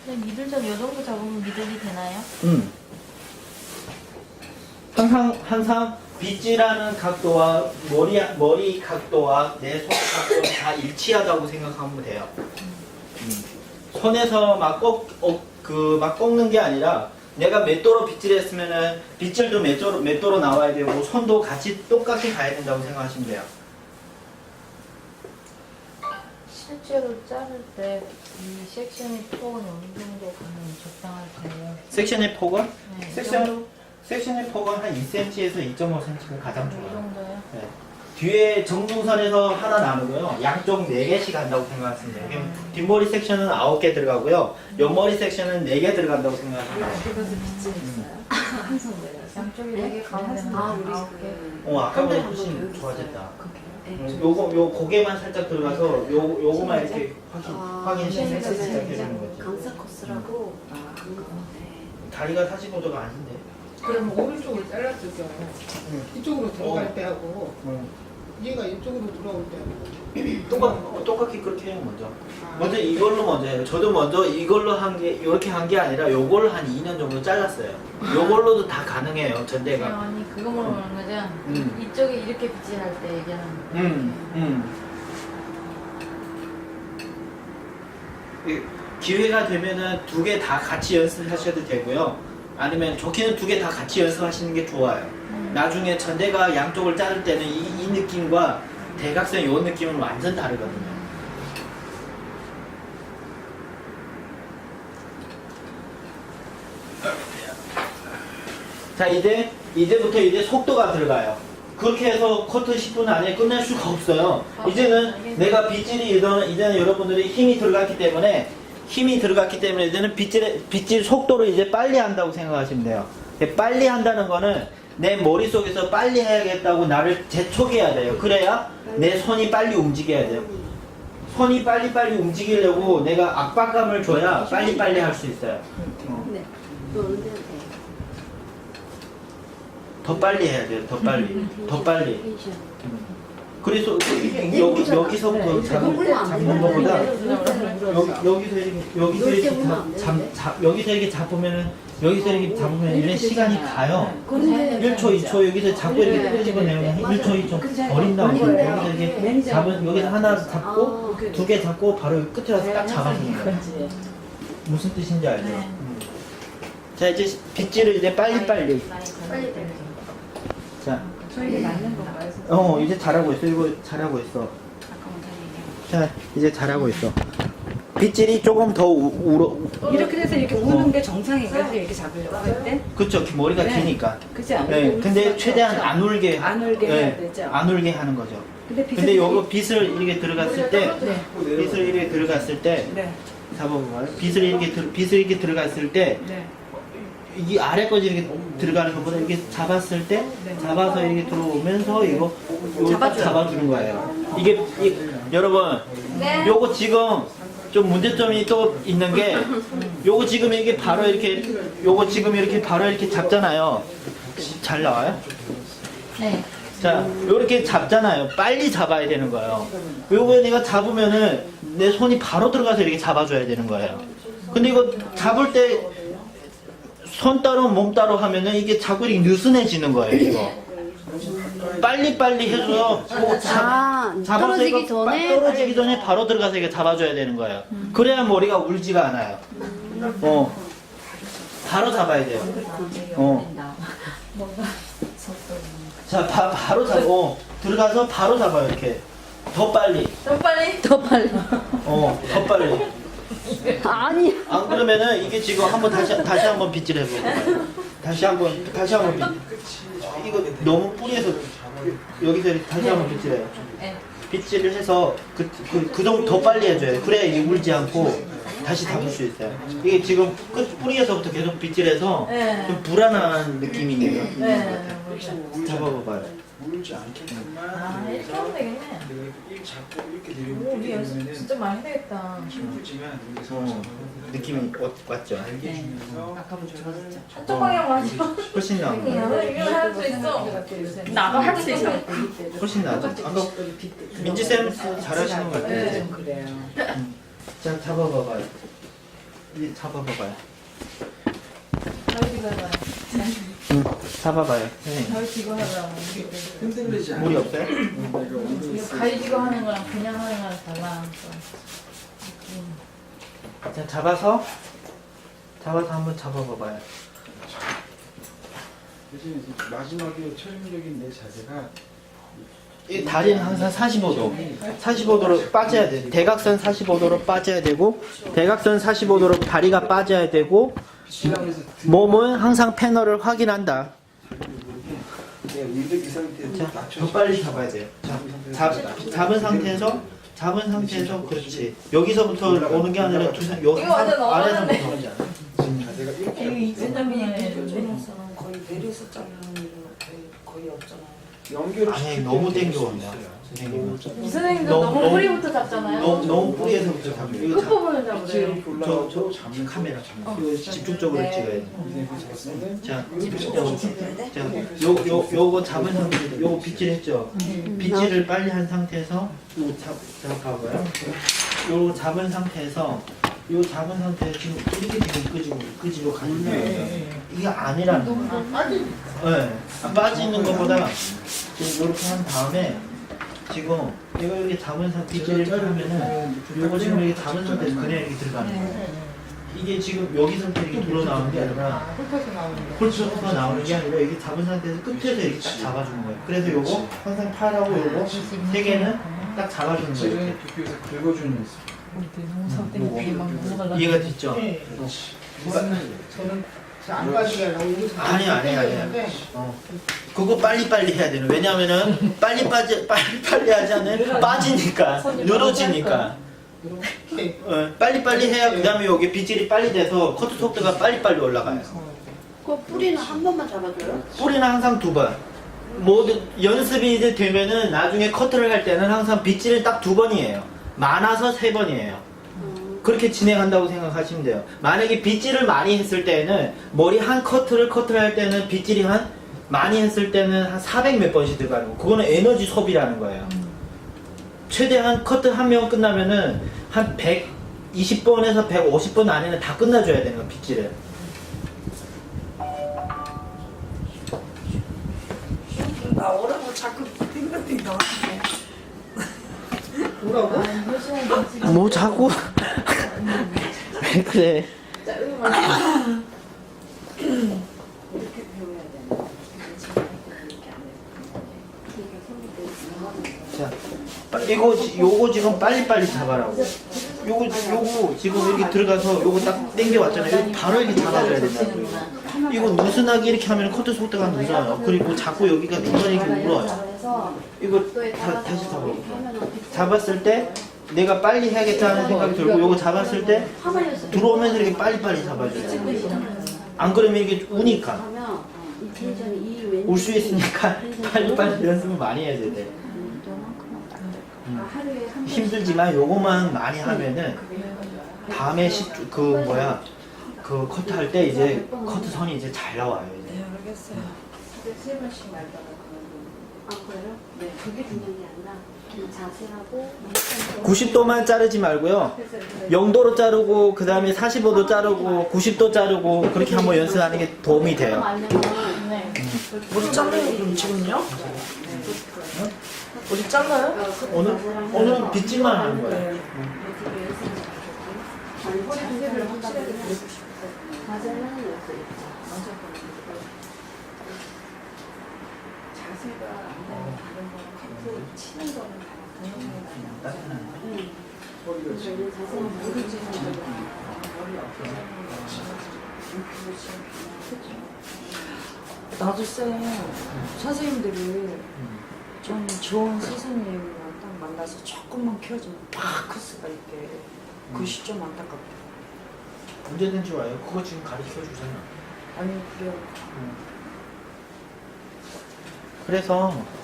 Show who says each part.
Speaker 1: 근데 미들점 요 정도 잡으면 미들이 되나요?
Speaker 2: 항상 빗질하는 각도와 머리 각도와 내 손 각도는 다 일치하다고 생각하면 돼요. 손에서 막 꺾는 게 아니라 내가 맷도로 빗질했으면은 빗질도 맷도로 나와야 되고 손도 같이 똑같이 가야 된다고 생각하시면 돼요.
Speaker 1: 실제로 자를 때 이 섹션의 폭은 어느 정도 가면 적당할까요?
Speaker 2: 섹션의 폭은?
Speaker 1: 네,
Speaker 2: 섹션의 폭은 한 2cm에서 2.5cm가 가장
Speaker 1: 이
Speaker 2: 좋아요.
Speaker 1: 정도요?
Speaker 2: 네. 뒤에 정중선에서 하나 나누고요. 양쪽 4개씩 한다고 생각하시면 돼요. 그럼 뒷머리 섹션은 9개 들어가고요. 옆머리 섹션은 4개 들어간다고 생각하시면 돼요.
Speaker 3: 그래서 빗질했어요. 항상 내가
Speaker 1: 양쪽이 4개 가운데는
Speaker 3: 아, 우리
Speaker 1: 9개.
Speaker 2: 아까보다 훨씬 좋아졌다. 요 고개만 살짝 들어가서 요거만 이렇게 확인시켜서 시작해주는 거지.
Speaker 3: 강사 코스라고
Speaker 2: 다리가 45도가 아닌데.
Speaker 4: 그럼 오른쪽을 잘랐을 경우 이쪽으로 들어갈 때하고
Speaker 2: 응.
Speaker 4: 얘가 이쪽으로 들어올 때하고
Speaker 2: 똑같이 그렇게 해요, 먼저. 먼저 이걸로 먼저 해요. 저도 먼저 이걸로 이렇게 한 게 아니라 요걸로 한 2년 정도 잘랐어요. 요걸로도 다 가능해요, 전대가.
Speaker 1: 아니 그거 물어보는 거죠? 이쪽에 이렇게 빗질할 때 얘기하는
Speaker 2: 기회가 되면은 2개 다 같이 연습하셔도 되고요. 아니면 좋게는 2개 다 같이 연습하시는 게 좋아요. 나중에 전대가 양쪽을 자를 때는 이 느낌과 대각선 요 느낌은 완전 다르거든요. 자, 이제부터 속도가 들어가요. 그렇게 해서 커트 10분 안에 끝낼 수가 없어요. 이제는 내가 이제는 여러분들이 힘이 들어갔기 때문에 이제는 빗질 속도를 이제 빨리 한다고 생각하시면 돼요. 빨리 한다는 거는 내 머릿속에서 빨리 해야겠다고 나를 재촉해야 돼요. 그래야 내 손이 빨리 움직여야 돼요. 손이 빨리빨리 움직이려고 내가 압박감을 줘야 빨리빨리 할 수 있어요.
Speaker 3: 네. 노는데 돼.
Speaker 2: 더 빨리 해야 돼요. 더 빨리. 그래서 여기서부터 잡는 것보다 여기서 이렇게 잡으면은 이런 시간이 가요. 1초, 2초 여기서 잡고 이렇게 끄집어내면 1초, 2초 버린다고. 여기서 이렇게 여기서 하나 잡고 2개 잡고 바로 끝에 와서 딱 잡아주는 거예요. 무슨 뜻인지 알죠? 자, 이제 빗질을 이제 빨리빨리. 자,
Speaker 3: 저희가 맞는 건가요?
Speaker 2: 이제 잘하고 있어. 이거 잘하고 있어. 자, 이제 잘하고 있어. 빗질이 조금 더
Speaker 3: 이렇게 돼서 이렇게 우는 게 정상인가요? 이렇게 잡으려고 할 때?
Speaker 2: 그쵸. 머리가
Speaker 3: 네.
Speaker 2: 기니까.
Speaker 3: 그렇지 않아요?
Speaker 2: 네, 근데 최대한 안 울게.
Speaker 3: 안 울게 해야 되죠?
Speaker 2: 안 울게 하는 거죠.
Speaker 3: 근데
Speaker 2: 요거 빗을 이렇게 들어갔을 때,
Speaker 3: 네.
Speaker 2: 잡아봐요. 빗을 이렇게 들어갔을 때,
Speaker 3: 네.
Speaker 2: 이 아래까지 이렇게 들어가는 것보다 이렇게 잡았을 때, 잡아서 이렇게 들어오면서 이거 딱 잡아주는 거예요. 여러분, 요거 지금 좀 문제점이 또 있는 게, 요거 지금 이게 바로 이렇게, 바로 이렇게 잡잖아요. 잘 나와요?
Speaker 1: 네.
Speaker 2: 자, 요렇게 잡잖아요. 빨리 잡아야 되는 거예요. 요거 내가 잡으면은 내 손이 바로 들어가서 이렇게 잡아줘야 되는 거예요. 근데 이거 잡을 때 손 따로 몸 따로 하면은 이게 자꾸 이렇게 느슨해지는 거예요, 이거. 빨리빨리 해줘서 잡아서 이거 떨어지기 전에 바로 들어가서 이거 잡아줘야 되는 거예요. 그래야 머리가 울지가 않아요. 바로 잡아야 돼요. 자, 바로 잡고 들어가서 바로 잡아요, 이렇게. 더 빨리.
Speaker 1: 더 빨리?
Speaker 3: 더 빨리.
Speaker 2: 더 빨리.
Speaker 3: 아니.
Speaker 2: 안 그러면은 이게 지금 다시 한번 빗질 해보고. 다시 한번 이거 너무 뿌리에서 여기서 이렇게 다시 한번 빗질해요.
Speaker 1: 네.
Speaker 2: 빗질을 해서 그 정도 더 빨리 해줘요. 그래야 이게 울지 않고 다시 잡을 수 있어요. 이게 지금 끝 뿌리에서부터 계속 빗질해서
Speaker 1: 네.
Speaker 2: 좀 불안한 느낌이 있네요.
Speaker 1: 네.
Speaker 2: 잡아봐봐요.
Speaker 5: 울지 않게끔만
Speaker 1: 이렇게 하면 되겠네.
Speaker 5: 일 잡고 이렇게
Speaker 1: 오, 우리 연습
Speaker 5: 내리면
Speaker 1: 진짜 많이 해야겠다.
Speaker 5: 힘들지만 여기서
Speaker 2: 느낌이 왔죠?
Speaker 5: 알게 주면서
Speaker 3: 아까보다 좋아졌죠?
Speaker 1: 한쪽 방향 맞아.
Speaker 2: 훨씬 나아.
Speaker 1: 이거 할 수 있어.
Speaker 3: 나도 할 수 있어.
Speaker 2: 훨씬 나아죠. 아까 민지쌤 잘하시는 것 같아요.
Speaker 3: 그래요.
Speaker 2: 자, 잡아봐봐요. 이제 잡아봐봐요.
Speaker 1: 잘 찍어봐요.
Speaker 2: 응, 잡아봐요. 선생님.
Speaker 1: 잘 찍어 하라고.
Speaker 5: 흔들리지 않아.
Speaker 2: 물이 없어요?
Speaker 5: 내가 엉덩이
Speaker 1: 이거 가위지고 하는 거랑 그냥 하는 거랑 달라.
Speaker 2: 자, 잡아서 한번 잡아봐봐요.
Speaker 5: 대신 마지막에 최종적인 내 자세가
Speaker 2: 이 다리는 항상 45도로 빠져야 돼. 대각선 45도로 빠져야 되고, 대각선 45도로 다리가 빠져야 되고,
Speaker 5: 시간에서
Speaker 2: 몸은 항상 패널을 확인한다.
Speaker 5: 내가 이 상태에서
Speaker 2: 자, 더 빨리 잡아야 돼요. 자, 잡은 상태에서 그렇지. 여기서부터 오는 게 아니라 여기
Speaker 1: 이거 완전
Speaker 2: 아래서부터
Speaker 1: 넘어갔네.
Speaker 2: 오지 않아.
Speaker 5: 지금 자세가 이렇게
Speaker 1: 이거 2cm이네.
Speaker 6: 우리나라는 거의 내려서 자르는 일은 거의 없잖아요.
Speaker 5: 연결을
Speaker 2: 아니,
Speaker 5: 시킬
Speaker 2: 너무
Speaker 5: 때는
Speaker 2: 땡겨온다,
Speaker 5: 있어요.
Speaker 2: 선생님은.
Speaker 1: 이 선생님도 너무 뿌리부터 잡잖아요.
Speaker 2: 너무 뿌리에서부터 잡고. 이거
Speaker 1: 끝부분을 잡으래요.
Speaker 5: 이렇게 올라가고 잡는
Speaker 2: 카메라.
Speaker 5: 잡는
Speaker 2: 이거 집중적으로 찍어야 돼.
Speaker 5: 이제 그 잡았는데
Speaker 2: 자, 집중적으로. 자, 요거 잡은 상태, 요거 빗질했죠? 빗질을 빨리 한 상태에서, 요거 잡아봐요. 요거 잡은 상태에서, 지금 이렇게 지금 끄집어 가는 거예요. 이게 아니라는 거예요. 네. 빠지는 것보다 지금 이렇게 한 다음에, 지금 이거 이렇게 잡은 상태, 빗질을 하면은, 요거 지금 이렇게 잡은 상태에서 그냥 이렇게 들어가는 거예요. 이게 지금 여기서부터 이렇게 돌아 나오는 게 아니라,
Speaker 1: 훑어서 나오는 거.
Speaker 2: 홀수가 나오는 게 아니라 이게 잡은 상태에서 끝에서 이렇게 딱 잡아주는 거예요. 그래서 요거 항상 팔하고 요거 세 개는 딱 잡아주는 거예요.
Speaker 5: 실은
Speaker 2: 이렇게.
Speaker 5: 비교해서 긁어주는 거 있어요.
Speaker 1: 농사 때문에 막 넘어가려고.
Speaker 2: 이해가 됐죠?
Speaker 4: 저는 안 빠지게 하려고 여기서
Speaker 2: 아니야. 그거 빨리빨리 해야 되는. 왜냐면은 빨리 하지 않으면 빠지니까 늘어지니까.
Speaker 4: 이렇게
Speaker 2: 빨리빨리 해야 그 다음에 여기 빗질이 빨리 돼서 커트 속도가 빨리빨리 올라가요.
Speaker 6: 그 뿌리는 한 번만 잡아줘요?
Speaker 2: 뿌리는 항상 2번. 모든 연습이 이제 되면은 나중에 커트를 할 때는 항상 빗질을 딱 2번이에요. 많아서 3번이에요. 그렇게 진행한다고 생각하시면 돼요. 만약에 빗질을 많이 했을 때는 머리 한 커트를 할 때는 빗질이 많이 했을 때는 한 400 몇 번씩 들어가는 거. 그거는 에너지 소비라는 거예요. 최대한 커트 한 명 끝나면은 한 120번에서 150번 안에는 다 끝나줘야 되는 거, 빗질을.
Speaker 6: 나오라고 자꾸 빙글빙글
Speaker 4: 뭐라고?
Speaker 2: 뭐 자꾸 왜 그래?
Speaker 6: 이렇게 배워야 되나? 이렇게 안 해.
Speaker 2: 자, 요거 지금 빨리빨리 잡아라고. 요거 지금 이렇게 들어가서 요거 딱 당겨왔잖아요. 이거 바로 이렇게 잡아줘야 된다고. 이거 느슨하게 이렇게 하면 커트 속도가 늦어요. 그리고 자꾸 여기가 중간에 이렇게 울어요. 이거 다시 잡아볼게요. 잡았을 때 내가 빨리 해야겠다는 생각이 들고 요거 잡았을 때 들어오면서 이렇게 빨리빨리 잡아줘야 돼요. 안 그러면 이게 우니까.
Speaker 6: 하면 이 텐션이 이 왼쪽
Speaker 2: 울 수 있으니까 빨리빨리 연습을 많이 해야 돼.
Speaker 6: 하루에 한
Speaker 2: 힘들지만 요거만 많이 하면은 다음에 그 커트 할 때 이제 커트 선이 이제 잘 나와요. 이제.
Speaker 6: 네, 알겠어요. 세 번씩 말다가 그만두고. 아, 그래요? 네. 그게 중요한 게 아니라 그냥 자세하고
Speaker 2: 90도만 자르지 말고요. 0도로 자르고 그 다음에 45도 자르고 90도 자르고 그렇게 한번 연습하는 게 도움이 돼요.
Speaker 1: 네.
Speaker 7: 어디 잘라요 그럼 지금요? 어디 잘라요?
Speaker 2: 오늘은 빗질만 하는 거예요.
Speaker 6: 자세를 확실하게 배우고 싶어요. 자세는 여기서 자세가 안 되면 다른 거랑 커트 치는 거는 다른
Speaker 5: 허리가 지금
Speaker 6: 자세는 모르지는 머리
Speaker 7: 나도 쌤 선생님들이 좀 좋은 선생님이랑 딱 만나서 조금만 키워주면 팍 클 수가 있게 그것이 좀 안타깝다.
Speaker 2: 언제든지 와요. 그거 지금 가르쳐 주잖아.
Speaker 7: 아니 그래요.
Speaker 2: 그래서